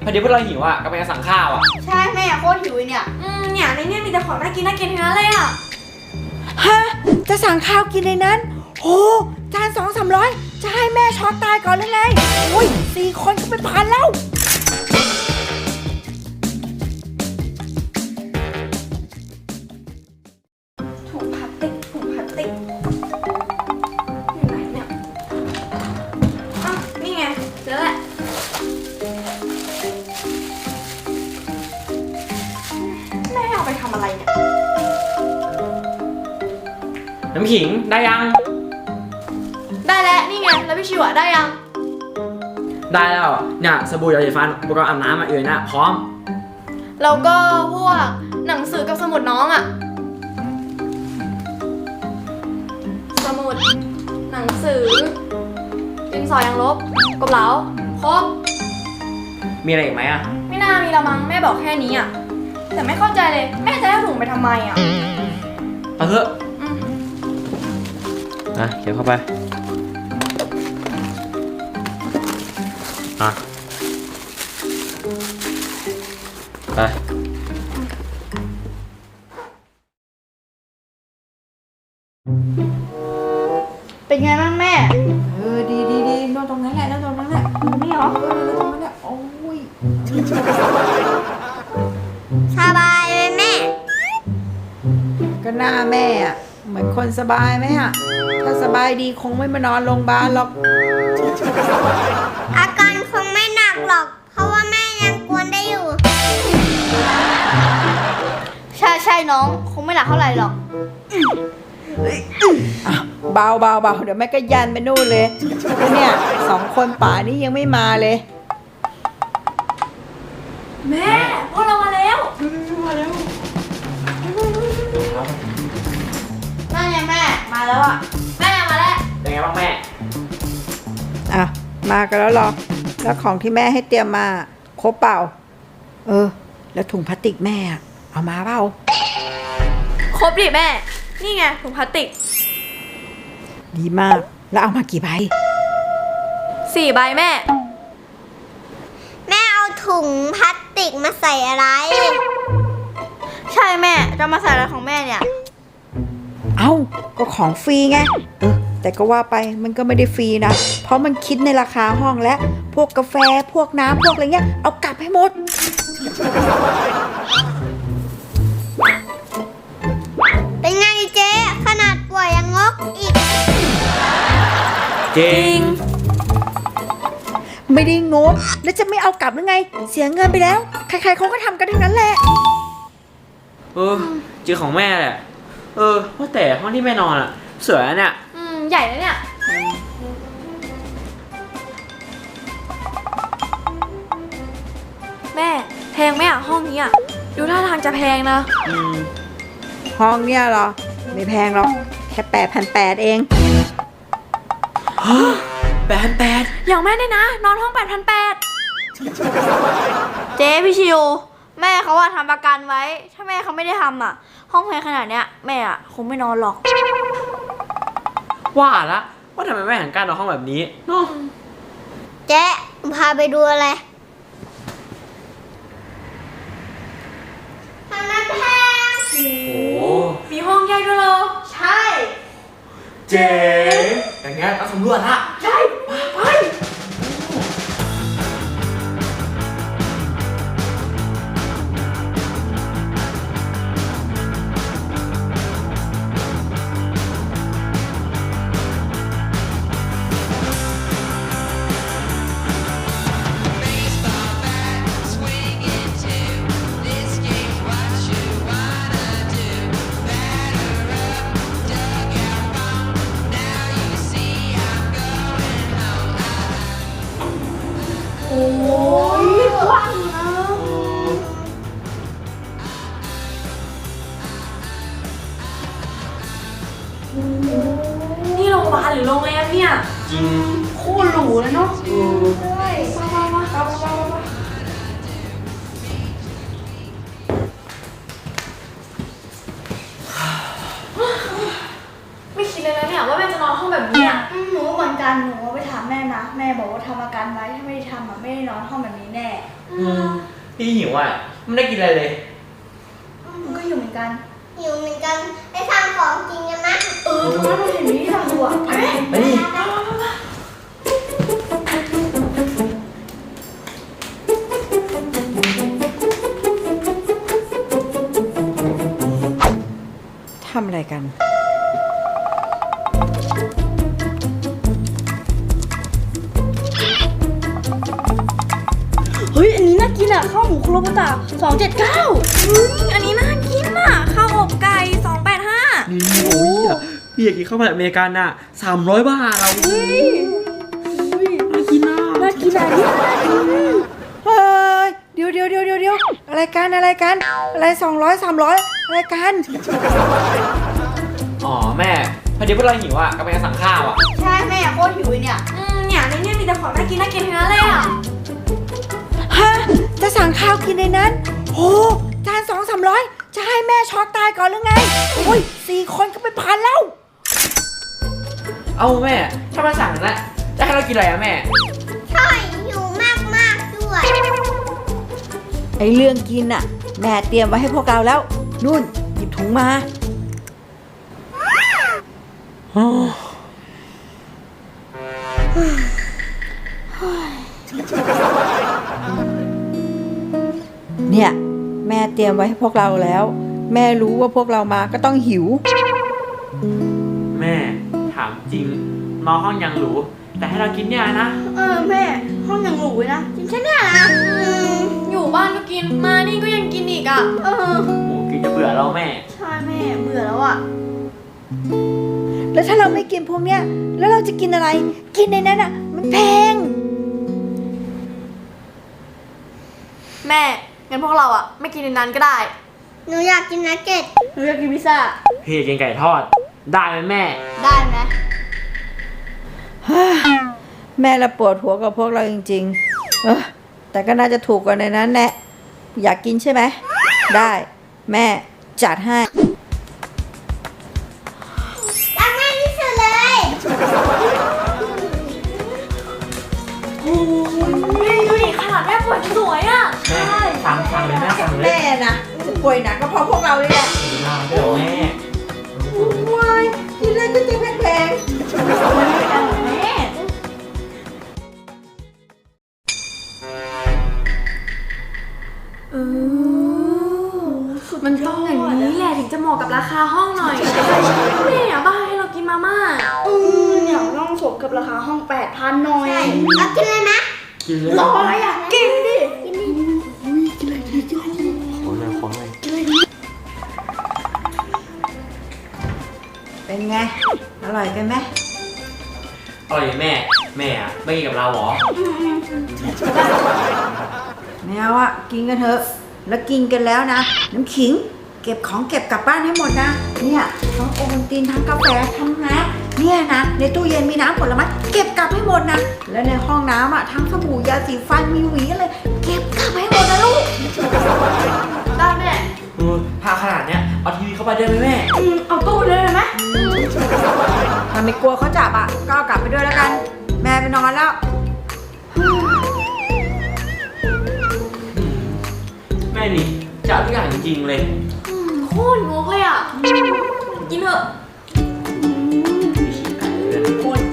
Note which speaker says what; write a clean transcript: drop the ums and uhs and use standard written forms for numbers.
Speaker 1: พอดีพวกเราหิวอ่ะกำลังจะสั่งข้าวอ่ะ
Speaker 2: ใช่แม่โคตรหิวเนี่ย
Speaker 3: เนี่ยในเนี่ยมีแต่ของน่ากินทั้งนั้นเลยอ่ะ
Speaker 4: ฮะจะสั่งข้าวกินในนั้นโอ้จาน200-300จะให้แม่ช็อกตายก่อนเลยไงโอ้ย4 คนก็เป็นพันแล้ว
Speaker 3: ถุงพลาสติกอยู่ไหนเนี่ยอ้าวนี่ไงเจอแล้วแม่เอาไปทำอะไรเนี่ย
Speaker 1: น้ำขิงได้ยัง
Speaker 3: ได้แล้วนี่ไงแล้วพี่ชิวอะได้ยัง
Speaker 1: ได้แล้วเนี่ยสบู่ยาสีฟันอุปกรณ์อาบน้ำอยู่ในน่ะพร้อม
Speaker 3: แล้วก็พวกหนังสือกับสมุดน้องอะสมุดหนังสือดินสอยางลบกบเหลาครบ
Speaker 1: มีอะไรอีกไหมอ่ะ
Speaker 3: ไม่น่ามีละมั้งแม่บอกแค่นี้อะแต่ไม่เข้าใจเลยแม่จะให้ถุงไปทำไมอะ
Speaker 1: เอาเถอะเขียนเข้าไปไป
Speaker 2: เป็นไงบ้างแม่
Speaker 4: ดีนอนตรงนั้นแหละนอนตรงนั้นแหละนี่เหรอนอนตรงนั้นแหละโอ้ย
Speaker 2: สบายไหมแม่
Speaker 4: ก็หน้าแม่อะเหมือนคนสบายไหมอะถ้าสบายดีคงไม่มานอนโรงพยาบาลหรอก
Speaker 2: อาการคงไม่หนักหรอก เพราะว่าแม่ยังกวนได้อยู่ใช่น้องคงไม่หนักเท่าไหร่หรอก
Speaker 4: เบาเดี๋ยวแม่ก็ยันไปนู่นเลยแล้วเนี่ย2 คนป่านี้ยังไม่มาเลย
Speaker 3: แม่พวกเรามาแล้ว
Speaker 2: นั่นไงแม่มาแล้วอ่ะแม่มาแล้ว
Speaker 1: เป็นไงบ้างแม่
Speaker 4: อ่ะมากันแล้วเหรอแล้วของที่แม่ให้เตรียมมาครบเปล่าแล้วถุงพลาสติกแม่อะเอามาเปล่า
Speaker 3: ครบดิแม่นี่ไงถุงพลาสติก
Speaker 4: ดีมากแล้วเอามากี่ใบ
Speaker 3: 4 ใบแม่
Speaker 2: แม่เอาถุงพลาสติกมาใส่อะไร ใช่แม่จะมาใส่อะไรของแม่เนี่ย
Speaker 4: เอ้าก็ของฟรีไงแต่ก็ว่าไปมันก็ไม่ได้ฟรีนะเพราะมันคิดในราคาห้องและพวกกาแฟพวกน้ำพวกอะไรเงี้ยเอากลับให้หมด
Speaker 2: เป็นไงเจ๊ขนาดป่วยยังงกอีก
Speaker 1: จริง
Speaker 4: ไม่ได้งกแล้วจะไม่เอากลับหรือไงเสียเงินไปแล้วใครๆเขาก็ทำกันทั้งนั้นแหละ
Speaker 1: จริงของแม่แหละว่าแต่ห้องที่แม่นอนอ่ะสวยนะเนี่ย
Speaker 3: ใหญ่แล้วเนี่ยแม่แพงไหมอ่ะห้องนี้อ่ะดูท่าทางจะแพงนะ
Speaker 4: ห้องเนี่ยเหรอไม่แพงหรอกแค่8,800เอง
Speaker 1: 8,800
Speaker 3: อย่างแม่เนี่ยนะนอนห้อง 8,800เจ๊พี่ชิวแม่เขาว่าทำประกันไว้ถ้าแม่เขาไม่ได้ทำอ่ะห้องแพงขนาดเนี้ยแม่อ่ะคงไม่นอนหรอก
Speaker 1: ว่าละว่าทำไมแม่ถึงกล้านอนห้องแบบนี้เนาะ
Speaker 2: เจ๊พาไปดูอะไรทางนั้นแพง
Speaker 1: โอ้
Speaker 3: มีห้องใหญ่ด้วยเหรอ
Speaker 2: ใช่
Speaker 1: เจ๋งอย่างเงี้ยต้องสำรวจละ
Speaker 3: ใช่ไปโอ้ยกว้างนะ นี่โรงพยาบาลหรือโรงแรมเนี่ย
Speaker 1: จริง
Speaker 3: โคตรหรูเลยเนาะใช่มาไม่คิดเลยนะเนี่ยว่าแม่จะนอนห้องแบบนี้อะ
Speaker 2: หนูเหมือนกันหนูไปถามแม่นะแม่บอกว่าทำประกันไว้ถ้าไม่ได้ทำอ่ะไม่ได้นอนห้องแบบนี้แน่
Speaker 1: พี่หิวอ่ะไม่ได้กินอะไรเลย
Speaker 3: มันก็อยู่เหมือนกัน
Speaker 2: หิวเหมือนกันไปทำของกินกันนะ
Speaker 3: เออทำไมเราเห็นนี้ทำดูอ่ะ
Speaker 1: ไปดิ
Speaker 4: ทำอะไรกัน
Speaker 3: เฮ้ย อันนี้น่ากินอ่ะ ข้าวหมูคุโรบุตะ279เฮ้ย อันนี้น่ากินอ่ะ ข้าวอบไก่285
Speaker 1: นี่โอ้ยพี่อยากกินข้าวผัดอเมริกันอ่ะ300 บาทเราน่ากินอ่ะ
Speaker 3: น่ากินอ่ะนี่น่ากิน
Speaker 4: เฮ้ย เดี๋ยวอะไรกัน อะไร200 300 อะไรกัน
Speaker 1: อ๋อแม่พอดีพวกเราหิวอ่ะก็ไปสั่งข้าวอ่ะ
Speaker 3: ใช่แม่โคตรหิวเลยเนี่ย เนี่ยในเนี่ยมีแต่ของน่ากินทั้งนั้นเลยอ่ะ
Speaker 4: ฮะ จะสั่งข้าวกินในนั้นโหจาน200-300 จะให้แม่ช็อกตายก่อนหรือไง โอ้ย4 คนก็ไปพันแล้ว
Speaker 1: เอาแม่ถ้ามาสั่งนะจะให้เรากินอะไรอ่ะแม่
Speaker 2: ใช่หิวมากด้วย
Speaker 4: ไอเรื่องกินน่ะ แม่เตรียมไว้ให้พวกเราแล้ว นุ่น หยิบถุงมา เนี่ย แม่เตรียมไว้ให้พวกเราแล้ว แม่รู้ว่าพวกเรามาก็ต้องหิว
Speaker 1: แม่ถามจริงนอนห้องยังหรูแต่ให้เรากินเนี่ยนะ
Speaker 3: เออแม่ ห้องยังหรูเลยนะ กินแค่เนี้ยนะ อยู่บ้านก็กิน มานี่ก็ยังกินอีกอ่ะ เออ
Speaker 1: โอ้กินจะเบื่อเราแม่
Speaker 3: ใช่แม่ เบื่อแล้วอ่ะ
Speaker 4: แล้วถ้าเราไม่กินพวกเนี้ย แล้วเราจะกินอะไร กินในนั้นอ่ะ มันแพง
Speaker 3: แม่ งั้นพวกเราอ่ะ ไม่กินในนั้นก็ได้
Speaker 2: หนูอยากกินนักเก็ต
Speaker 3: หนูอยากกินพิซซ่า
Speaker 1: พี่อยากกินไก่ทอดได้ไหมแม่
Speaker 3: ได้ไหม
Speaker 4: แม่ละปวดหัวกับพวกเราจริงๆ แต่ก็น่าจะถูกกว่าในนั้นแหละ อยากกินใช่ไหม ได้ แม่จัดให้
Speaker 2: รักแม่ที่สุดเลย
Speaker 3: โอ้ยดูดิขนาดแม่ปวดสวยอ่ะ
Speaker 1: แม่สั่งเลยแม่สั่งเลย
Speaker 4: แม่นะจะป่วยหนักก็เพราะพวกเราเลยแหละ
Speaker 1: เดี๋ยวแม่
Speaker 4: วายกินอะไรก็จะแพง
Speaker 3: แม่ มันต้องอย่างนี้แหละถึงจะเหมาะกับราคาห้องหน่อยแม่อยากบ้าให้เรากินมาม่าเนี่ยต้องสมกับราคาห้อง 8,000 หน่อย
Speaker 2: ใช่เอากินเลยนะ
Speaker 1: กินเลย
Speaker 3: รออะไรอ่ะ กินดิ
Speaker 1: ของเลย
Speaker 4: เป็นไง อร่อยกันไหม
Speaker 1: อร่อยแม่แม่อะไม่กินกับเราเหรอ
Speaker 4: ไม่เอาอะกินกันเถอะ แล้วกินกันแล้วนะ น้ำขิง เก็บของเก็บกลับบ้านให้หมดนะ เนี่ยทั้งโอวัลตินทั้งกาแฟทั้งน้ำเนี่ยนะ ในตู้เย็นมีน้ำผลไม้เก็บกลับให้หมดนะ และในห้องน้ำอะทั้งสบู่ยาสีฟันมีหวีอะไรเก็บกลับให้หมดนะลูก
Speaker 3: ได้แม่
Speaker 1: พาขนาดเนี้ยเอาทีวีเข้าไปได้ไหมแม่
Speaker 3: เอาตู้เลยไหม
Speaker 4: ถ้าไม่กลัวเขาจับอะก็เอากลับไปด้วยแล้วกัน แม่ไปนอนแล้ว
Speaker 1: แม่นี่จะเอาทุกอย่างจริงๆเลย
Speaker 3: โคตรงกเลยอ่ะ กินเถอะ
Speaker 1: พี่ฉีกไก่เลย
Speaker 3: โคตร